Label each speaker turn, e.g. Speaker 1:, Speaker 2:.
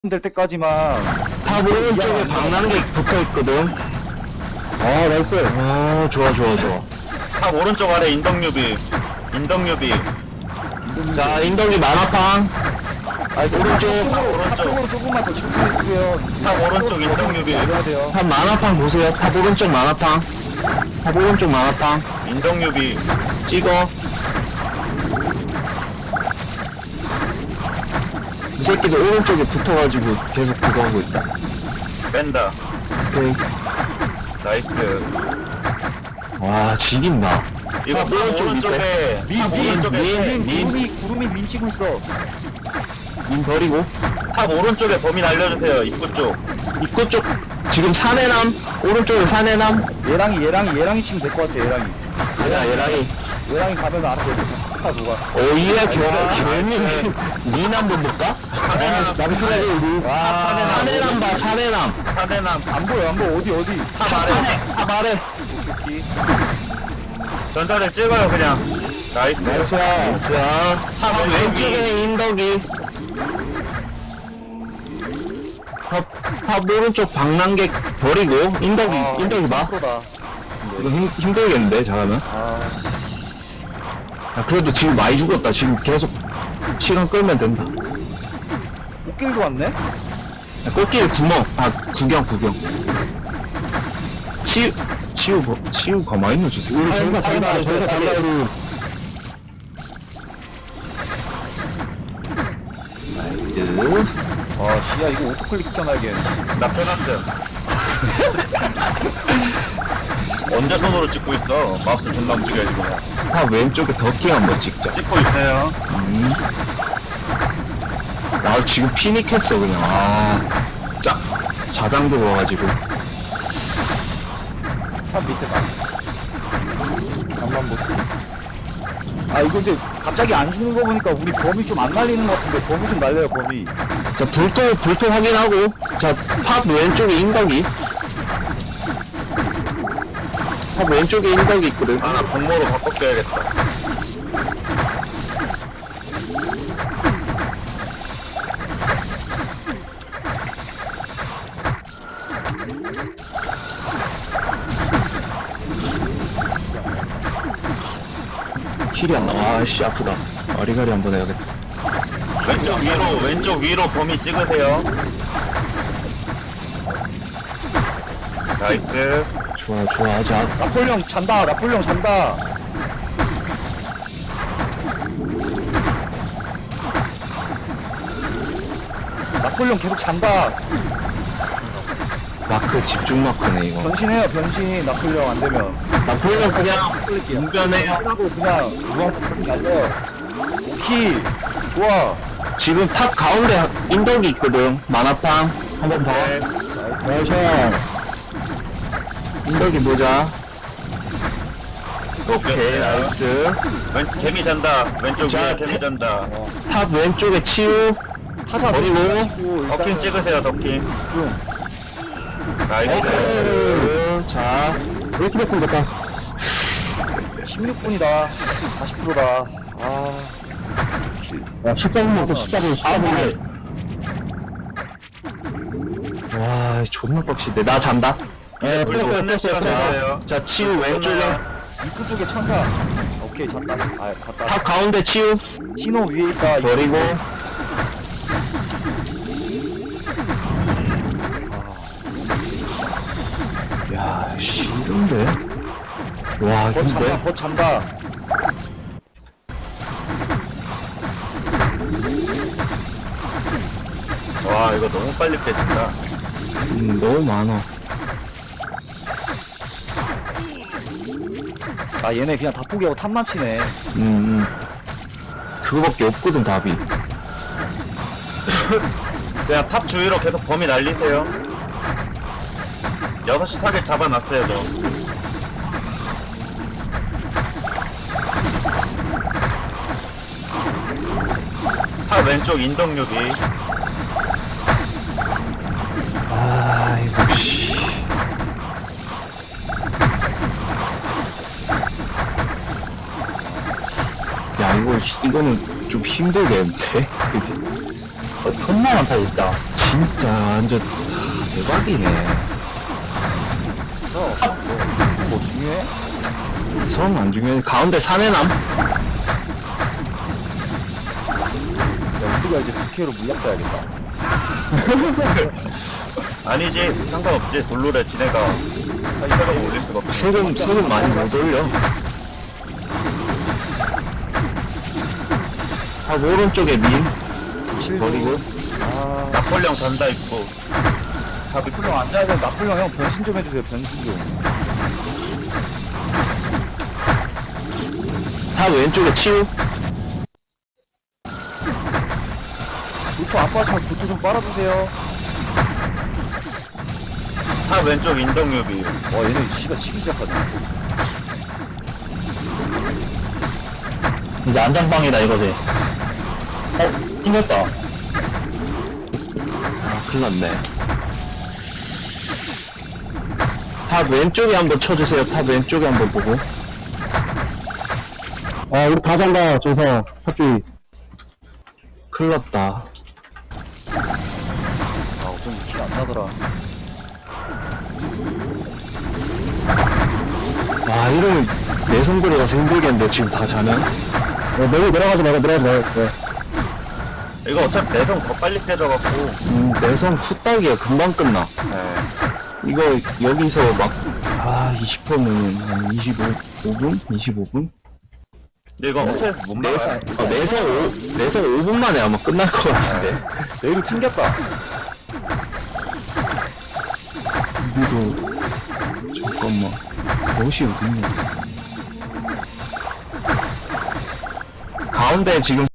Speaker 1: 될 때까지만.
Speaker 2: 탑 오른쪽에 방랑객 붙어있거든. 아 나이스. 아 좋아.
Speaker 3: 탑 오른쪽 아래 인덕유비.
Speaker 2: 자 인덕이 만화팡. 오른쪽.
Speaker 1: 앞쪽으로 조금만 더 집중해주세요.
Speaker 3: 탑 오른쪽 인덕유비.
Speaker 1: 해야 돼요.
Speaker 2: 탑 만화팡 보세요. 탑 오른쪽 만화팡. 탑 오른쪽 만화팡.
Speaker 3: 인덕유비.
Speaker 2: 찍어. 이 새끼들 오른쪽에 붙어가지고 계속 그거 하고 있다.
Speaker 3: 뺀다.
Speaker 2: 오케이.
Speaker 3: 나이스.
Speaker 2: 와 지긴다.
Speaker 3: 이거 탑 오른쪽에 탑 오른쪽에
Speaker 1: 구름이 민치고 있어.
Speaker 2: 인 버리고.
Speaker 3: 탑 오른쪽에 범인 알려주세요. 입구 쪽.
Speaker 2: 입구 쪽 지금 사내남. 오른쪽에 사내남.
Speaker 1: 얘랑이 치면 될 것 같아. 얘랑이 가면 알아서 다 누가.
Speaker 2: 오이야 결민 니남 좀 볼까? 남편이 우리 사내남 봐 사내남.
Speaker 3: 사대남.
Speaker 1: 안 보여 어디.
Speaker 3: 탑 아래.
Speaker 2: 탑 아래.
Speaker 3: 전사들 찍어요 그냥. 나이스.
Speaker 2: 나이스. 탑 왼쪽에 인덕이. 탑 오른쪽 방랑객 버리고 인덕이 봐.
Speaker 1: 프로다.
Speaker 2: 이거 힘들겠는데 잘하면. 야, 그래도 지금 많이 죽었다. 지금 계속 시간 끌면 된다.
Speaker 1: 꽃길도 왔네.
Speaker 2: 야, 꽃길 구멍. 구경. 치우 가만히 있는 주세요. 저희가 장가로.
Speaker 1: 씨야 이거 오토클릭 시켜놔야겠네.
Speaker 3: 나 페넌트. 언제 손으로 찍고 있어? 마우스 존나 움직여야지 그냥.
Speaker 2: 탑 왼쪽에 덕킹 한번 찍자.
Speaker 3: 찍고 있어요.
Speaker 2: 나 지금 피닉했어 그냥. 자장 들어와가지고.
Speaker 1: 탑 밑에 봐. 잠만 볼게. 이거 근데 갑자기 안 죽는 거 보니까 우리 범위 좀 안 날리는 것 같은데 범위 좀 날려요 범위.
Speaker 2: 자 불토 확인하고. 자 탑 왼쪽에 인덕이. 탑 왼쪽에 인덕이 있거든.
Speaker 3: 아, 나 공모로 바꿔줘야겠다.
Speaker 2: 킬이 안 나와. 아씨 아프다. 아리가리 한번 해야겠다.
Speaker 3: 왼쪽 위로 범위 찍으세요. 나이스.
Speaker 2: 좋아 하자.
Speaker 1: 라폴령 잔다. 라폴령 계속 잔다.
Speaker 2: 마크 집중 마크네 이거.
Speaker 1: 변신해요 변신. 라폴령 안 되면.
Speaker 2: 나폴레옹 그냥
Speaker 3: 운전해요.
Speaker 1: 하고 그냥 무한폭탄 날려. 오키 좋아.
Speaker 2: 지금 탑 가운데 인덕이 있거든. 만화팡 한번 봐.
Speaker 3: 네.
Speaker 2: 나이스. 인덕이 보자.
Speaker 3: 오케이,
Speaker 2: 나이스.
Speaker 3: 개미 잔다. 왼쪽
Speaker 2: 자,
Speaker 3: 위에 개미 잔다.
Speaker 2: 탑 왼쪽에 치유.
Speaker 1: 타자
Speaker 2: 버리고.
Speaker 3: 덕킹 찍으세요, 덕킹. 나이스.
Speaker 2: 나이스. 자, 이렇게 됐으면 됐다.
Speaker 1: 16분이다. 40%다.
Speaker 2: 야, 14분 14분. 와, 존나 빡시네. 나 잔다.
Speaker 3: 네, 불도 끝낼 시간 됐어요.
Speaker 2: 자, 치유 왼쪽에.
Speaker 1: 입구 쪽에 천사. 오케이 잔다. 갔다.
Speaker 2: 탑 가운데 치유.
Speaker 1: 신호 위에 있다.
Speaker 2: 버리고. 야, 싫은데? 와,
Speaker 1: 곧 잔다.
Speaker 2: 근데?
Speaker 1: 곧 잔다.
Speaker 3: 와, 이거 너무 빨리 깨진다.
Speaker 2: 너무 많아.
Speaker 1: 얘네 그냥 다 포기하고 탑만 치네.
Speaker 2: 그거밖에 없거든, 답이.
Speaker 3: 그냥 탑 주위로 계속 범위 날리세요. 6시 타겟 잡아놨어요, 저. 탑 왼쪽 인덕유비.
Speaker 2: 아이고, 씨. 야, 이거는 좀 힘들겠는데? 그치? 존나 많다, 진짜. 진짜, 완전, 대박이네.
Speaker 1: 뭐 중요해?
Speaker 2: 성 안 중요해. 가운데 사내남?
Speaker 1: 야, 우리가 이제 부캐로 물약 가야겠다.
Speaker 3: 아니지, 상관없지. 돌로래 지네가 사이사가 올릴 수가 없지.
Speaker 2: 세금 많이 못 올려. 아, 오른쪽에 민. 버리고.
Speaker 1: 아,
Speaker 3: 낙벌령 단다 있고.
Speaker 1: 나풀령 앉아야 돼. 나풀령 형 변신 좀 해주세요, 변신 좀.
Speaker 2: 다 왼쪽에 치우.
Speaker 1: 부토 안 빠지면 부토 좀 빨아주세요.
Speaker 3: 탑 왼쪽 인덕유비.
Speaker 1: 와, 얘네 씨가 치기 시작하네.
Speaker 2: 이제 안장방이다, 이거지. 튕겼다. 아, 큰일 났네. 탑 왼쪽에 한번 쳐주세요. 탑 왼쪽에 한번 보고. 아, 우리 다 잔다, 조서. 탑주의. 큰일 났다.
Speaker 1: 아, 어쩐지 키가 안 나더라.
Speaker 2: 아, 이러면 내성 들어가서 힘들겠는데, 지금 다 자면? 내려가지 말고. 네.
Speaker 3: 이거 어차피 내성 더 빨리 깨져갖고.
Speaker 2: 내성 후딱이야. 금방 끝나.
Speaker 3: 네.
Speaker 2: 이거, 여기서 막, 20%면 한 25분? 25분?
Speaker 3: 근데 이거 호텔에서 못 막아요.
Speaker 2: 내성 5분 만에 아마 끝날 것 같은데.
Speaker 1: 내일로 튕겼다.
Speaker 2: 여기도, 잠깐만. 옷이 어딨냐. 가운데 지금